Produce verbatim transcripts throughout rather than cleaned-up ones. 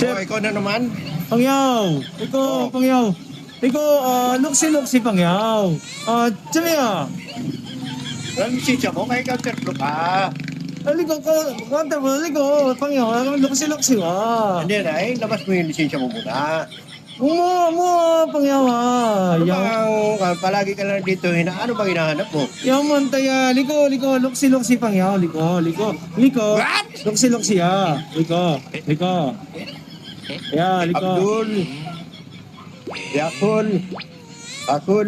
Oh, ikaw na naman. Pangyaw. Ikaw, Oh. Pangyaw. Ikaw, ah, luksi-luksi Pangyaw. Ah, Chamiya. Ang lisensya mo, kaya ikaw terplo ka. Aliko ko, kanta mo, aliko, Pangyaw, luksi-luksi wa. Hindi na, eh, labas mo yung lisensya mo muna. Mo, mo, Pangyaw ha. Ano Yaw, bang, ah, palagi ka lang dito, hina, ano bang hinahanap mo? yaw man taya, liko, liko, luksi-luksi Pangyaw, liko, liko, liko. What? Luksi-luksi ha. Liko, liko. Ya, liko. Abdul. Yakul. Akul.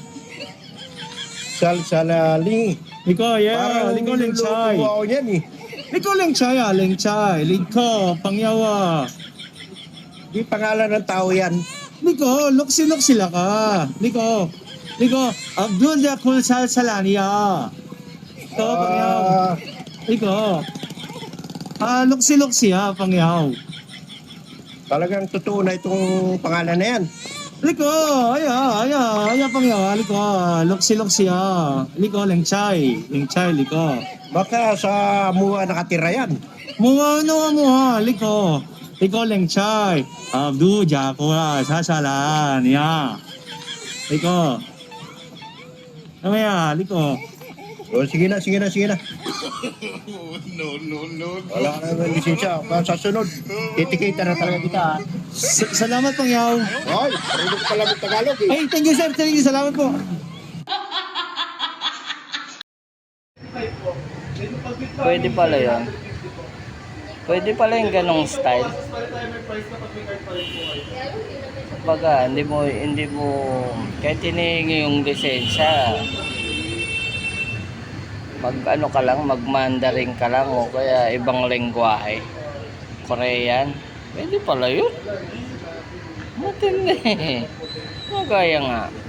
Salsalali. Liko, ya, Parang liko leng niluluto chai. ako niyan eh. Liko leng chai ah, leng chai. Liko, Pangyaw ah. Di pangalan ng tao yan. Liko, luksi-luksi la ka. Liko, liko, Abdul Yakul Sal Salania. Iko, Pangyaw. Ah, Iko. Ah, luksi-luksi ha, Pangyaw. talagang totoo na itong pangalan na yan. Liko, aya, aya, aya Pangyaw, liko, luksi-luksi ha. Liko, leng chai, leng chai, liko. Baka sa mua nakatira yan. Mua no mua, liko. Liko leng chai. Abdul Yakul Sal Salania. Liko. Ano ya, liko. O, sige na, sige na, sige na. No, no, no. Wala ka naman lisensya. Sa sunod, titikita na talaga kita. ha? S- salamat Pangyaw. Hoy, marunong ka pala mag-Tagalog eh. Hey, thank you sir, thank you, salamat po. Pwede pala yun. Pwede pala yung ganong style. Baga, hindi mo, hindi mo, kahit hinihingi yung lisensya, mag ano ka lang, mag Mandarin ka lang o kaya ibang lengguwahe. Korean. Pwede pala yun. Matindi. Magaya nga.